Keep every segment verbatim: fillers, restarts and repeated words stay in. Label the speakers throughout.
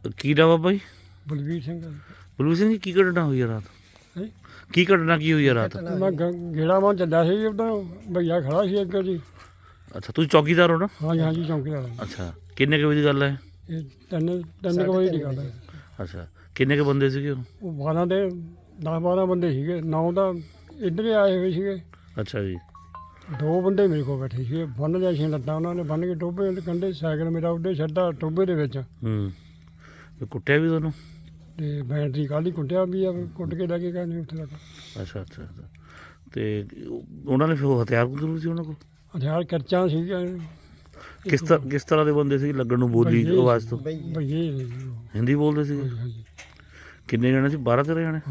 Speaker 1: ਕੀ ਨਾਮ ਆ ਬਾਈ?
Speaker 2: ਬਲਵੀਰ ਸਿੰਘ।
Speaker 1: ਬਲਵੀਰ ਸਿੰਘ ਜੀ, ਕੀ ਘਟਨਾ ਹੋਈ ਆ ਰਾਤ? ਕੀ ਘਟਨਾ ਕੀ ਹੋਈ ਆ ਰਾਤ?
Speaker 2: ਮੈਂ ਗੇੜਾ ਮਾਂ ਚੱਲਿਆ ਸੀ, ਉਦੋਂ ਭਈਆ ਖੜਾ ਸੀ ਅੱਗੇ ਜੀ।
Speaker 1: ਅੱਛਾ, ਤੁਸੀਂ ਚੌਕੀਦਾਰ ਹੋ ਨਾ?
Speaker 2: ਹਾਂਜੀ ਹਾਂਜੀ, ਚੌਂਕੀਦਾਰ।
Speaker 1: ਅੱਛਾ, ਕਿੰਨੇ ਕੁ ਵਜੇ ਦੀ ਗੱਲ ਹੈ?
Speaker 2: ਇਹ ਤਿੰਨ ਤਿੰਨ ਕੁ ਵਜੇ ਦੀ ਗੱਲ ਹੈ।
Speaker 1: ਅੱਛਾ, ਕਿੰਨੇ ਕੁ ਬੰਦੇ ਸੀਗੇ ਉਹ?
Speaker 2: ਉਹ ਬਾਰਾਂ ਦੇ ਦਸ ਬਾਰਾਂ ਬੰਦੇ ਸੀਗੇ, ਨੌ ਤਾਂ ਇੱਧਰ ਹੀ ਆਏ ਹੋਏ ਸੀਗੇ।
Speaker 1: ਅੱਛਾ ਜੀ।
Speaker 2: ਦੋ ਬੰਦੇ ਮੇਰੇ ਕੋਲ ਬੈਠੇ ਸੀਗੇ, ਬੰਨ ਲਿਆ ਸੀ ਲੱਤਾਂ ਉਹਨਾਂ ਨੇ, ਬੰਨ ਕੇ ਟੋਭੇ ਦੇ ਕੰਢੇ ਸਾਈਕਲ ਮੇਰਾ ਉੱਡੇ ਛੱਡਾ ਟੋਭੇ ਦੇ ਵਿੱਚ।
Speaker 1: ਹੂੰ, ਤੇ ਕੁੱਟਿਆ ਵੀ ਤੁਹਾਨੂੰ?
Speaker 2: ਤੇ ਬੈਟਰੀ ਕੱਲ੍ਹ ਹੀ ਕੁੱਟਿਆ ਵੀ ਆ, ਕੁੱਟ ਕੇ ਲੈ ਕੇ ਗਏ ਨੇ ਉੱਥੇ ਤੱਕ।
Speaker 1: ਅੱਛਾ ਅੱਛਾ ਅੱਛਾ, ਤੇ ਉਹਨਾਂ ਨੇ ਫਿਰ ਉਹ ਹਥਿਆਰ ਜ਼ਰੂਰ ਸੀ ਉਹਨਾਂ ਕੋਲ?
Speaker 2: ਹਥਿਆਰ ਕਰਚਾਂ ਸੀਗੀਆਂ।
Speaker 1: ਕਿਸ ਤਰ੍ਹਾਂ ਕਿਸ ਤਰ੍ਹਾਂ ਦੇ ਬੰਦੇ ਸੀ ਲੱਗਣ ਨੂੰ, ਬੋਲੀ ਆਵਾਜ਼ ਤੋਂ?
Speaker 2: ਭਈਏ
Speaker 1: ਹਿੰਦੀ ਬੋਲਦੇ ਸੀਗੇ?
Speaker 2: ਹਾਂਜੀ।
Speaker 1: ਕਿੰਨੇ ਜਣੇ ਸੀ? ਬਾਰਾਂ ਤੇਰਾਂ ਜਣੇ?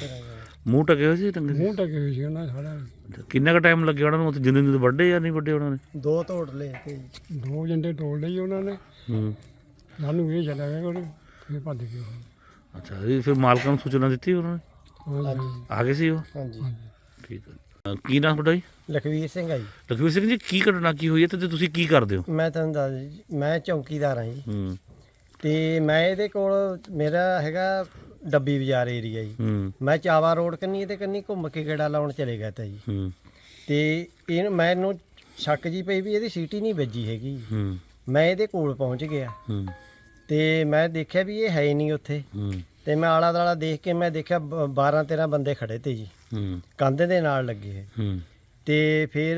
Speaker 1: ਮੂੰਹ ਢਕੇ ਹੋਏ ਸੀ? ਟੰਗੇ
Speaker 2: ਮੂੰਹ ਢਕੇ ਹੋਏ ਸੀ ਉਹਨਾਂ ਦੇ ਸਾਰਾ।
Speaker 1: ਕਿੰਨਾ ਕੁ ਟਾਈਮ ਲੱਗਿਆ ਉਹਨਾਂ ਨੂੰ ਉੱਥੇ? ਜਿੰਦੇ ਜਿੰਦੇ ਵੱਡੇ ਜਾਂ ਨਹੀਂ ਵੱਡੇ ਉਹਨਾਂ ਨੇ?
Speaker 3: ਦੋ ਤੋੜ ਲਏ ਤੇ
Speaker 2: ਦੋ ਜੰਡੇ ਤੋੜ ਲਈ ਉਹਨਾਂ ਨੇ।
Speaker 1: ਹੂੰ,
Speaker 2: ਸਾਨੂੰ ਇਹ ਚੱਲਿਆ ਗਿਆ ਕੋਲ, ਫਿਰ ਭੱਜ ਗਏ ਉਹ।
Speaker 1: ਅੱਛਾ, ਇਹ ਫਿਰ ਮਾਲਕਾਂ ਨੂੰ ਸੂਚਨਾ ਦਿੱਤੀ ਉਹਨਾਂ ਨੇ?
Speaker 2: ਹਾਂਜੀ
Speaker 1: ਆ ਗਏ ਸੀ ਉਹ?
Speaker 3: ਹਾਂਜੀ।
Speaker 1: ਠੀਕ ਹੈ। ਕੀ ਨਾਮ ਤੁਹਾਡਾ ਜੀ?
Speaker 3: ਲਖਵੀਰ ਸਿੰਘ ਆ ਜੀ।
Speaker 1: ਲਖਵੀਰ ਸਿੰਘ ਜੀ, ਕੀ ਘਟਨਾ ਕੀ ਹੋਈ ਹੈ ਤੇ ਤੁਸੀਂ ਕੀ ਕਰਦੇ ਹੋ?
Speaker 3: ਮੈਂ ਤੁਹਾਨੂੰ ਦੱਸ ਜੀ, ਮੈਂ ਚੌਂਕੀਦਾਰ ਹਾਂ ਜੀ।
Speaker 1: ਹੂੰ
Speaker 3: ਤੇ ਮੈਂ ਇਹਦੇ ਕੋਲ, ਮੇਰਾ ਹੈਗਾ ਡੱਬੀ ਬਾਜ਼ਾਰ ਏਰੀਆ ਜੀ।
Speaker 1: ਹੂੰ
Speaker 3: ਮੈਂ ਚਾਵਾ ਰੋਡ ਕੰਨੀ ਤੇ ਕੰਨੀ ਘੁੰਮ ਕੇ ਗੇੜਾ ਲਾਉਣ ਚਲੇ ਗਿਆ ਤਾ ਜੀ।
Speaker 1: ਹੂੰ
Speaker 3: ਤੇ ਇਹ ਮੈਨੂੰ ਸ਼ੱਕ ਜੀ ਪਈ ਵੀ ਇਹਦੀ ਸੀਟੀ ਨਹੀਂ ਵੱਜੀ ਹੈਗੀ।
Speaker 1: ਹੂੰ
Speaker 3: ਮੈਂ ਇਹਦੇ ਕੋਲ ਪਹੁੰਚ ਗਿਆ
Speaker 1: ਹੂੰ
Speaker 3: ਤੇ ਮੈਂ ਦੇਖਿਆ ਵੀ ਇਹ ਹੈ ਹੀ ਨਹੀਂ ਉੱਥੇ।
Speaker 1: ਹੂੰ
Speaker 3: ਤੇ ਮੈਂ ਆਲਾ ਦਾਲਾ ਦੇਖ ਕੇ ਮੈਂ ਦੇਖਿਆ ਬਾਰਾਂ ਤੇਰਾਂ ਬੰਦੇ ਖੜੇ ਤੇ ਜੀ,
Speaker 1: ਹੂੰ
Speaker 3: ਕੰਧ ਦੇ ਨਾਲ ਲੱਗੇ।
Speaker 1: ਹੂੰ
Speaker 3: ਤੇ ਫਿਰ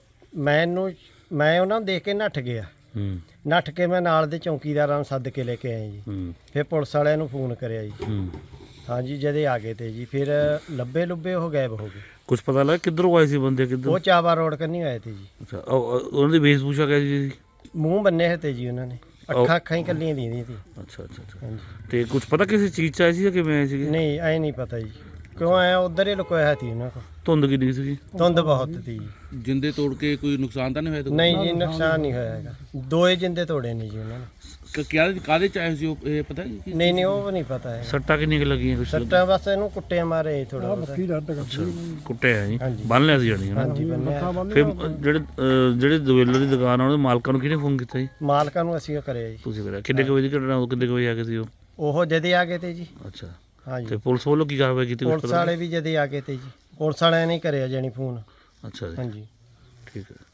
Speaker 3: ਮੈਨੂੰ ਮੈਂ ਉਹਨਾਂ ਨੂੰ ਦੇਖ ਕੇ ਨੱਠ ਗਿਆ।
Speaker 1: ਹੂੰ
Speaker 3: ਨੱਠ ਕੇ ਮੈਂ ਨਾਲ ਦੇ ਚੌਂਕੀਦਾਰਾਂ ਨੂੰ ਸੱਦ ਕੇ ਲੈ ਕੇ ਆਇਆ ਜੀ।
Speaker 1: ਹੂੰ
Speaker 3: ਫਿਰ ਪੁਲਿਸ ਵਾਲਿਆਂ ਨੂੰ ਫੋਨ ਕਰਿਆ ਜੀ।
Speaker 1: ਹੂੰ
Speaker 3: ਹਾਂਜੀ, ਜਦੇ ਆ ਗਏ ਤੇ ਜੀ। ਫਿਰ ਲੱਭੇ ਲੁੱਬੇ ਉਹ ਗਾਇਬ ਹੋ ਗਏ।
Speaker 1: ਕੁਝ ਪਤਾ ਲੱਗਾ ਕਿੱਧਰੋਂ ਆਏ ਸੀ ਬੰਦੇ? ਕਿੱਧਰ?
Speaker 3: ਉਹ ਚਾਵਾ ਰੋਡ ਕੰਨੀ ਆਏ ਤੇ ਜੀ।
Speaker 1: ਅੱਛਾ, ਉਹ- ਉਹ- ਉਹਨਾਂ ਦੀ ਵੇਸ਼ਭੂਸ਼ਾ ਕਿਹੋ ਸੀ?
Speaker 3: ਮੂੰਹ ਬੰਨੇ ਹੋਏ ਤੇ ਜੀ ਉਹਨਾਂ ਨੇ, ਅੱਖਾਂ ਅੱਖਾਂ ਹੀ ਕੱਲੀਆਂ ਦੀਆਂ ਸੀ।
Speaker 1: ਅੱਛਾ ਅੱਛਾ ਅੱਛਾ,
Speaker 3: ਹਾਂਜੀ।
Speaker 1: ਤੇ ਕੁਝ ਪਤਾ ਕਿਸੇ ਚੀਜ਼ 'ਚ ਆਏ ਸੀ ਜਾਂ ਕਿਵੇਂ ਆਏ ਸੀਗੇ?
Speaker 3: ਨਹੀਂ, ਐ ਨਹੀਂ ਪਤਾ ਜੀ ਕਿਉਂ ਆਇਆ, ਉਧਰ ਹੀ ਲੁਕੋਇਆ ਸੀ ਉਹਨਾਂ ਕੋਲ।
Speaker 1: ਧੁੰਦ ਕਿੰਨੀ ਸੀਗੀ?
Speaker 3: ਧੁੰਦ ਬਹੁਤ ਸੀ ਜੀ।
Speaker 4: ਜਿੰਦੇ ਤੋੜ ਕੇ ਕੋਈ ਨੁਕਸਾਨ ਤਾਂ ਨਹੀਂ ਹੋਇਆ?
Speaker 3: ਨਹੀਂ ਜੀ, ਨੁਕਸਾਨ ਨਹੀਂ ਹੋਇਆ ਹੈਗਾ। ਦੋਏ ਜਿੰਦੇ ਤੋੜੇ ਨੇ ਜੀ ਉਹਨਾਂ ਨੇ।
Speaker 4: ਕਿਆ ਕਾਹਦੇ ਚ ਆਏ ਸੀ ਉਹ, ਇਹ ਪਤਾ ਜੀ?
Speaker 3: ਨਹੀਂ ਨਹੀਂ, ਉਹ ਨਹੀਂ ਪਤਾ ਹੈ।
Speaker 1: ਸੱਟਾਂ ਕਿੰਨੀਆਂ ਕੁ ਲੱਗੀਆਂ? ਕੁਛ
Speaker 3: ਸੱਟਾਂ ਬਸ ਇਹਨੂੰ ਕੁੱਟਿਆ ਮਾਰੇ ਥੋੜਾ ਬਹੁਤ।
Speaker 2: ਬੱਕੀ ਦਰਦ ਕਰਦੀ।
Speaker 1: ਕੁੱਟਿਆ ਜੀ?
Speaker 3: ਹਾਂਜੀ।
Speaker 1: ਬੰਨ ਲਿਆ ਸੀ ਜਾਣੀ ਹੈ ਨਾ?
Speaker 3: ਹਾਂਜੀ, ਬੰਨਿਆ।
Speaker 1: ਫਿਰ ਜਿਹੜੇ ਅਹ, ਜਿਹੜੇ ਦੁਵੇਲਰ ਦੀ ਦੁਕਾਨ ਆ ਉਹਦੇ ਮਾਲਕਾਂ ਨੂੰ ਕਿਹਨੇ ਫੋਨ ਕੀਤਾ ਜੀ?
Speaker 3: ਮਾਲਕਾਂ ਨੂੰ ਅਸੀਂ ਉਹ ਕਰਿਆ ਜੀ।
Speaker 1: ਤੁਸੀਂ ਕਰਿਆ? ਕਿੰਨੇ ਕੁ ਵਜੇ ਦੀ ਘਟਨਾ? ਉਹ ਕਿੰਨੇ ਕੁ ਵਜੇ ਆ ਗਏ ਸੀ ਉਹ?
Speaker 3: ਉਹ ਜਦੇ ਆ ਗਏ ਤੇ ਜੀ।
Speaker 1: ਅੱਛਾ,
Speaker 3: ਹਾਂਜੀ।
Speaker 1: ਤੇ ਪੁਲਿਸ ਵੱਲੋਂ ਕੀ ਕਾਰਵਾਈ ਕੀਤੀ? ਕੁਛ
Speaker 3: ਪੁਲਿਸ
Speaker 1: ਪਤਾ
Speaker 3: ਵਾਲੇ ਵੀ ਜਦੇ ਆ ਗਏ ਤੇ ਜੀ। ਪੁਲਿਸ ਵਾਲਿਆਂ ਨੇ ਹੀ ਕਰਿਆ ਜਾਣੀ ਫੋਨ।
Speaker 1: ਅੱਛਾ ਜੀ,
Speaker 3: ਹਾਂਜੀ।
Speaker 1: ਠੀਕ ਹੈ।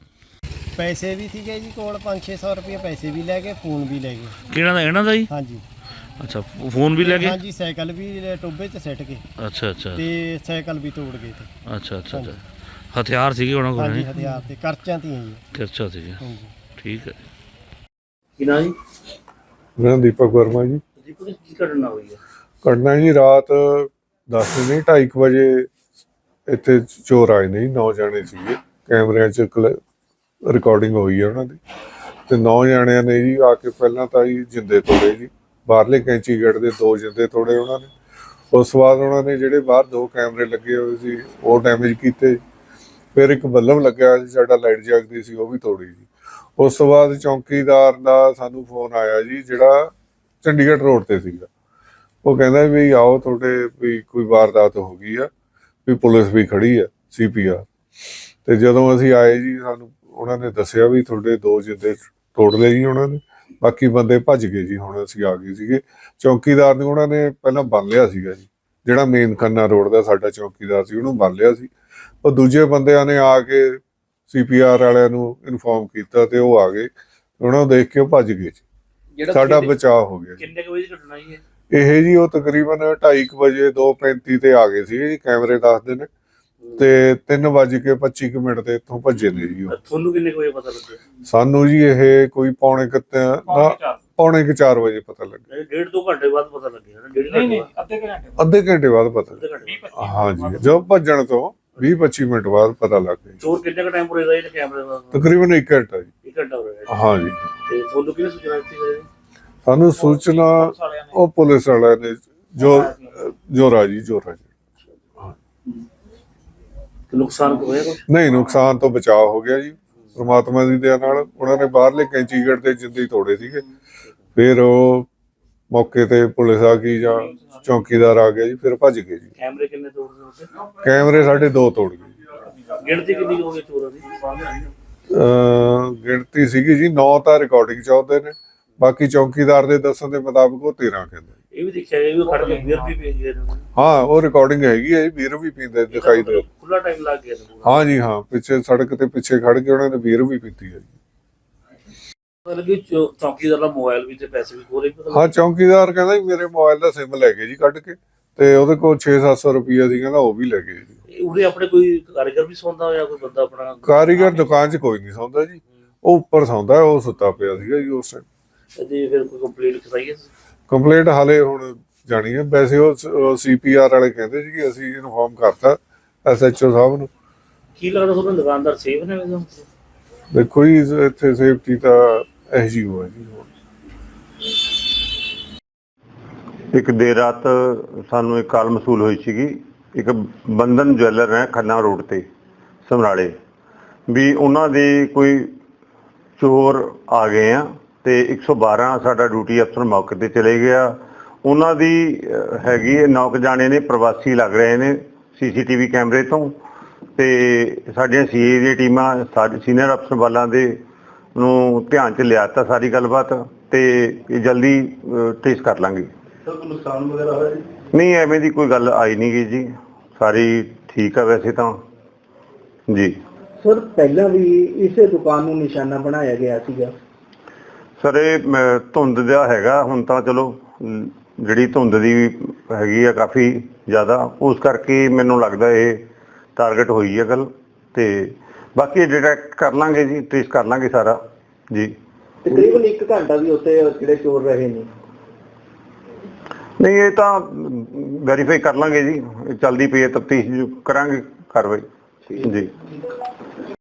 Speaker 3: ਪੈਸੇ ਵੀ ਸੀਗੇ ਜੀ ਕੋਲ, ਪੰਜ ਛੇ ਸੌ ਰੁਪਏ ਪੈਸੇ ਵੀ ਲੈ ਗਏ, ਫੋਨ ਵੀ ਲੈ ਗਏ।
Speaker 1: ਕਿਹਨਾਂ ਦਾ? ਇਹਨਾਂ ਦਾ ਜੀ?
Speaker 3: ਹਾਂਜੀ
Speaker 1: ਅੱਛਾ, ਫੋਨ ਵੀ ਲੈ ਗਏ?
Speaker 3: ਹਾਂਜੀ, ਸਾਈਕਲ ਵੀ ਟੋਬੇ 'ਚ ਸਿੱਟ ਕੇ
Speaker 1: ਅੱਛਾ ਅੱਛਾ
Speaker 3: ਤੇ ਸਾਈਕਲ ਵੀ ਤੋੜ ਗਏ ਤੇ।
Speaker 1: ਅੱਛਾ ਅੱਛਾ ਅੱਛਾ, ਹਥਿਆਰ ਸੀਗੇ ਉਹਨਾਂ ਕੋਲ?
Speaker 3: ਹਾਂਜੀ, ਹਥਿਆਰ ਤੇ ਕਰਚਾਂ ਤੀਆਂ ਜੀ।
Speaker 1: ਅੱਛਾ ਸੀਗੇ,
Speaker 3: ਹਾਂਜੀ।
Speaker 1: ਠੀਕ ਹੈ। ਕੀ ਨਾਂ ਜੀ?
Speaker 5: ਮੇਰਾ ਦੀਪਕ ਵਰਮਾ ਜੀ।
Speaker 1: ਦੀਪਕ ਜੀ, ਕੀ ਘਟਨਾ ਹੋਈ ਹੈ?
Speaker 5: ਘਟਨਾ ਜੀ ਰਾਤ ਦਸ ਨਹੀਂ ਢਾਈ ਕੁ ਵਜੇ ਇੱਥੇ ਚੋਰ ਆਏ ਨੇ ਜੀ। ਨੌ ਜਾਣੇ ਸੀਗੇ, ਕੈਮਰਿਆਂ 'ਚ ਰਿਕਾਰਡਿੰਗ ਹੋਈ ਹੈ ਉਹਨਾਂ ਦੀ। ਤੇ ਨੌ ਜਾਣਿਆਂ ਨੇ ਜੀ ਆ ਕੇ ਪਹਿਲਾਂ ਤਾਂ ਜੀ ਜਿੰਦੇ ਤੋੜੇ ਜੀ, ਬਾਹਰਲੇ ਕੈਂਚੀ ਗੇਟ ਦੇ ਦੋ ਜਿੰਦੇ ਤੋੜੇ ਉਹਨਾਂ ਨੇ। ਉਸ ਤੋਂ ਬਾਅਦ ਉਹਨਾਂ ਨੇ ਜਿਹੜੇ ਬਾਹਰ ਦੋ ਕੈਮਰੇ ਲੱਗੇ ਹੋਏ ਸੀ ਉਹ ਡੈਮੇਜ ਕੀਤੇ। ਫਿਰ ਇੱਕ ਬੱਲਬ ਲੱਗਿਆ ਸੀ ਸਾਡਾ, ਲਾਈਟ ਜਗਦੀ ਸੀ, ਉਹ ਵੀ ਤੋੜੀ ਜੀ। ਉਸ ਤੋਂ ਬਾਅਦ ਚੌਂਕੀਦਾਰ ਦਾ ਸਾਨੂੰ ਫੋਨ ਆਇਆ ਜੀ, ਜਿਹੜਾ ਚੰਡੀਗੜ੍ਹ ਰੋਡ ਤੇ ਸੀਗਾ। ਉਹ ਕਹਿੰਦਾ ਵੀ ਆਓ, ਤੁਹਾਡੇ ਵੀ ਕੋਈ ਵਾਰਦਾਤ ਹੋ ਗਈ ਆ, ਵੀ ਪੁਲਿਸ ਵੀ ਖੜੀ ਆ, ਸੀ ਪੀ ਆਰ। ਤੇ ਜਦੋਂ ਅਸੀਂ ਆਏ ਜੀ, ਸਾਨੂੰ ਉਹਨਾਂ ਨੇ ਦੱਸਿਆ ਵੀ ਤੁਹਾਡੇ ਦੋ ਜਿੰਦੇ ਤੋੜ ਲਏ ਜੀ ਉਹਨਾਂ ਨੇ, ਬਾਕੀ ਬੰਦੇ ਭੱਜ ਗਏ ਜੀ। ਹੁਣ ਅਸੀਂ ਆ ਗਏ ਸੀਗੇ। ਚੌਂਕੀਦਾਰ ਨੂੰ ਉਹਨਾਂ ਨੇ ਪਹਿਲਾਂ ਬੰਨ ਲਿਆ ਸੀਗਾ ਜੀ, ਜਿਹੜਾ ਮੇਨ ਖੰਨਾ ਰੋਡ ਦਾ ਸਾਡਾ ਚੌਂਕੀਦਾਰ ਸੀ, ਉਹਨੂੰ ਬੰਨ ਲਿਆ ਸੀ। ਉਹ ਦੂਜੇ ਬੰਦਿਆਂ ਨੇ ਆ ਕੇ ਸੀ ਪੀ ਆਰ ਵਾਲਿਆਂ ਨੂੰ ਇਨਫੋਰਮ ਕੀਤਾ ਤੇ ਉਹ ਆ ਗਏ, ਉਹਨਾਂ ਨੂੰ ਦੇਖ ਕੇ ਉਹ ਭੱਜ ਗਏ ਜੀ। ਸਾਡਾ ਬਚਾਅ ਹੋ ਗਿਆ।
Speaker 1: ਕਿੰਨੇ ਕੁ ਵਜੇ ਦੀ ਘਟਨਾ ਜੀ
Speaker 5: ਇਹ ਜੀ? ਉਹ ਤਕਰੀਬਨ ਢਾਈ ਕੁ ਵਜੇ ਦੋ ਪੈਂਤੀ ਤੇ ਆ ਗਏ ਸੀਗੇ ਜੀ, ਕੈਮਰੇ ਦੱਸਦੇ ਨੇ। ਤੇ ਤਿੰਨ ਵੱਜ ਕੇ ਪੱਚੀ ਕੁ ਮਿੰਟ ਤੇ ਇੱਥੋਂ ਭੱਜੇ ਨੇ ਜੀ ਉਹ।
Speaker 1: ਤੁਹਾਨੂੰ ਕਿੰਨੇ ਕੁ ਵਜੇ ਪਤਾ ਲੱਗਿਆ?
Speaker 5: ਸਾਨੂੰ ਜੀ ਇਹ ਕੋਈ ਪੌਣੇ ਕੁ ਪੌਣੇ ਕੁ ਚਾਰ ਵਜੇ ਪਤਾ ਲੱਗਿਆ।
Speaker 1: ਡੇਢ ਦੋ ਘੰਟੇ ਬਾਅਦ ਪਤਾ ਲੱਗਿਆ? ਡੇਢ ਘੰਟੇ ਬਾਅਦ?
Speaker 5: ਅੱਧੇ ਘੰਟੇ ਬਾਅਦ ਪਤਾ। ਹਾਂਜੀ, ਜਦੋਂ ਭੱਜਣ ਤੋਂ ਵੀਹ ਪੱਚੀ ਮਿੰਟ ਬਾਅਦ ਪਤਾ ਲੱਗ ਗਿਆ।
Speaker 1: ਚੋਰ ਕਿੰਨੇ ਕੁ ਟਾਈਮ ਪੁਰੇ ਦਾ ਇਹ ਕੈਮਰੇ ਦਾ?
Speaker 5: ਤਕਰੀਬਨ ਇੱਕ ਘੰਟਾ ਜੀ।
Speaker 1: ਇੱਕ ਘੰਟਾ ਹੋ ਰਿਹਾ?
Speaker 5: ਹਾਂਜੀ।
Speaker 1: ਤੇ ਤੁਹਾਨੂੰ ਕਿਹਨੇ ਸੂਚਨਾ ਦਿੱਤੀ ਹੈ?
Speaker 5: ਸਾਨੂੰ ਸੂਚਨਾ ਉਹ ਪੁਲਿਸ ਵਾਲਿਆਂ ਨੇ, ਜੋ ਜੋਰਾ ਜੀ ਜੋਰਾ ਜੀ।
Speaker 1: ਨੁਕਸਾਨ ਹੋਇਆ ਕੁਛ?
Speaker 5: ਨਹੀਂ, ਨੁਕਸਾਨ ਤੋਂ ਬਚਾਅ ਹੋ ਗਿਆ ਜੀ ਪਰਮਾਤਮਾ ਦੀ ਦਇਆ ਨਾਲ। ਉਹਨਾਂ ਨੇ ਬਾਹਰਲੇ ਕੈਂਚੀ ਗੇਟ ਤੇ ਜਿੰਦੇ ਤੋੜੇ ਸੀਗੇ। ਫਿਰ ਉਹ ਮੌਕੇ ਤੇ ਪੁਲਿਸ ਆ ਗਈ ਜਾਂ ਚੌਂਕੀਦਾਰ ਆ ਗਿਆ ਜੀ, ਫਿਰ ਭੱਜ ਗਏ ਜੀ।
Speaker 1: ਕੈਮਰੇ ਕਿੰਨੇ ਤੋੜਦੇ ਉੱਤੇ?
Speaker 5: ਕੈਮਰੇ ਸਾਡੇ ਦੋ ਤੋੜ ਗਏ।
Speaker 1: ਗਿਣਤੀ ਕਿੰਨੀ ਹੋ ਗਈ ਚੋਰਾਂ ਦੀ?
Speaker 5: ਅਹ ਗਿਣਤੀ ਸੀਗੀ ਜੀ ਨੌ ਤਾਂ ਰਿਕਾਰਡਿੰਗ ਚ ਆਉਂਦੇ ਨੇ, ਬਾਕੀ ਚੌਕੀਦਾਰ ਦੇ ਦੱਸਣ ਦੇ ਮੁਤਾਬਕ ਉਹ ਤੇਰਾਂ ਕਹਿੰਦਾ।
Speaker 1: ਇਹ ਵੀ ਦੇਖਿਆ ਗਿਆ ਵੀ ਉਹ ਖੜ ਕੇ ਬੀਅਰ ਵੀ ਪੀ ਗਏ ਨੇ।
Speaker 5: ਹਾਂ ਉਹ ਰਿਕਾਰਡਿੰਗ ਹੈਗੀ ਹੈ ਜੀ, ਬੀਅਰ ਵੀ ਪੀਂਦੇ ਦਿਖਾਈ ਦੇ।
Speaker 1: ਖੁੱਲਾ ਟਾਈਮ ਲੱਗ ਗਿਆ ਸੀ।
Speaker 5: ਹਾਂ ਜੀ ਹਾਂ, ਪਿੱਛੇ ਸੜਕ ਤੇ ਪਿੱਛੇ ਖੜ ਕੇ ਉਹਨਾਂ ਨੇ ਬੀਅਰ ਵੀ ਪੀਤੀ ਹੈ ਜੀ।
Speaker 1: ਮਤਲਬ ਕਿ ਚੌ- ਚੌਕੀਦਾਰ ਦਾ ਮੋਬਾਈਲ ਵੀ ਤੇ ਪੈਸੇ ਵੀ ਖੋਲੇ।
Speaker 5: ਹਾਂ ਚੌਕੀਦਾਰ ਕਹਿੰਦਾ ਜੀ ਮੇਰੇ ਮੋਬਾਈਲ ਦਾ ਸਿਮ ਲੈ ਗਏ ਜੀ ਕੱਢ ਕੇ, ਤੇ ਉਹਦੇ ਕੋਲ ਛੇ ਸੱਤ ਸੌ ਰੁਪਈਆ ਸੀ, ਕਹਿੰਦਾ ਉਹ ਵੀ ਲੈ ਗਏ ਜੀ।
Speaker 1: ਉਰੇ ਆਪਣੇ ਕੋਈ ਕਾਰੀਗਰ ਵੀ ਸੌਂਦਾ ਹੋਇਆ, ਕੋਈ ਬੰਦਾ ਆਪਣਾ
Speaker 5: ਕਾਰੀਗਰ ਦੁਕਾਨ 'ਚ ਕੋਈ ਨਹੀਂ ਸੌਂਦਾ ਜੀ, ਉਹ ਉੱਪਰ ਸੌਂਦਾ, ਉਹ ਸੁੱਤਾ ਪਿਆ ਸੀਗਾ ਜੀ ਉਸ ਟਾਈਮ।
Speaker 1: ਤੇ ਫਿਰ ਕੋਈ ਕੰਪਲੇਂਟ ਕਰਾਈ ਹੈ?
Speaker 5: ਕੰਪਲੇਂਟ ਹਾਲੇ ਹੁਣ ਜਾਣੀ ਹੈ। ਵੈਸੇ ਉਹ ਸੀ ਪੀ ਆਰ ਵਾਲੇ ਕਹਿੰਦੇ ਸੀ ਕਿ ਅਸੀਂ ਇਨਫੋਰਮ ਕਰਤਾ ਐਸ ਐਚ ਓ ਸਾਹਿਬ ਨੂੰ।
Speaker 1: ਕੀ ਲੱਗਦਾ ਤੁਹਾਨੂੰ ਦੁਕਾਨਦਾਰ ਸੇਫ ਨੇ ਵੈਸੇ?
Speaker 5: ਦੇਖੋ ਜੀ ਇੱਥੇ ਸੇਫਟੀ ਤਾਂ ਐਸ ਜੀ ਓ ਹੈ ਜੀ।
Speaker 6: ਇੱਕ ਦੇਰ ਰਾਤ ਸਾਨੂੰ ਇੱਕ ਕਾਲ ਮਸੂਲ ਹੋਈ ਸੀਗੀ, ਇੱਕ ਬੰਧਨ ਜਵੈਲਰ ਹੈ ਖੰਨਾ ਰੋਡ ਤੇ ਸਮਰਾਲੇ, ਵੀ ਉਹਨਾਂ ਦੇ ਕੋਈ ਚੋਰ ਆ ਗਏ ਆ ਤੇ ਇੱਕ ਸੌ ਬਾਰਾਂ ਸਾਡਾ ਡਿਊਟੀ ਅਫਸਰ ਮੌਕੇ ਤੇ ਚਲੇ ਗਿਆ। ਉਹਨਾਂ ਦੀ ਅਹ, ਹੈਗੀ ਹੈ ਨੌ ਕੁ ਜਾਣੇ ਨੇ, ਪ੍ਰਵਾਸੀ ਲੱਗ ਰਹੇ ਨੇ ਸੀ ਸੀ ਟੀ ਵੀ ਕੈਮਰੇ ਤੋਂ, ਤੇ ਸਾਡੀਆਂ ਸੀ ਏ ਦੀਆਂ ਟੀਮਾਂ ਸਾਡੇ ਸੀਨੀਅਰ ਅਫਸਰ ਵਾਲਾਂ ਦੇ ਨੂੰ ਧਿਆਨ 'ਚ ਲਿਆ ਤਾ ਸਾਰੀ ਗੱਲਬਾਤ, ਤੇ ਇਹ ਜਲਦੀ ਟ੍ਰੇਸ ਕਰ ਲਾਂਗੇ।
Speaker 7: ਨੁਕਸਾਨ ਵਗੈਰਾ ਹੋਇਆ ਜੀ?
Speaker 6: ਨਹੀਂ ਐਵੇਂ ਦੀ ਕੋਈ ਗੱਲ ਆਈ ਨਹੀਂ ਗਈ ਜੀ, ਸਾਰੀ ਠੀਕ ਆ ਵੈਸੇ ਤਾਂ ਜੀ।
Speaker 7: ਸਰ ਪਹਿਲਾਂ ਵੀ ਇਸੇ ਦੁਕਾਨ ਨੂੰ ਨਿਸ਼ਾਨਾ ਬਣਾਇਆ ਗਿਆ ਸੀਗਾ।
Speaker 6: ਸਰ ਇਹ ਮ, ਧੁੰਦ ਦਾ ਹੈਗਾ, ਹੁਣ ਤਾਂ ਚਲੋ ਅਮ, ਜਿਹੜੀ ਧੁੰਦ ਦੀ ਹੈਗੀ ਆ ਕਾਫੀ ਜ਼ਿਆਦਾ, ਉਸ ਕਰਕੇ ਮੈਨੂੰ ਲੱਗਦਾ ਇਹ ਟਾਰਗੇਟ ਹੋਈ ਹੈ ਗੱਲ, ਤੇ ਬਾਕੀ ਡਿਟੈਕਟ ਕਰ ਲਾਂਗੇ ਜੀ, ਟ੍ਰੇਸ ਕਰ ਲਾਂਗੇ ਸਾਰਾ ਜੀ।
Speaker 7: ਤਕਰੀਬਨ ਇੱਕ ਘੰਟਾ ਵੀ ਉੱਥੇ ਜਿਹੜੇ ਚੋਰ ਰਹੇ ਨੇ?
Speaker 6: ਨਹੀਂ ਇਹ ਤਾਂ ਵੈਰੀਫਾਈ ਕਰ ਲਾਂਗੇ ਜੀ, ਚੱਲਦੀ ਪਈ ਹੈ ਤਫਤੀਸ਼, ਕਰਾਂਗੇ ਕਾਰਵਾਈ ਜੀ।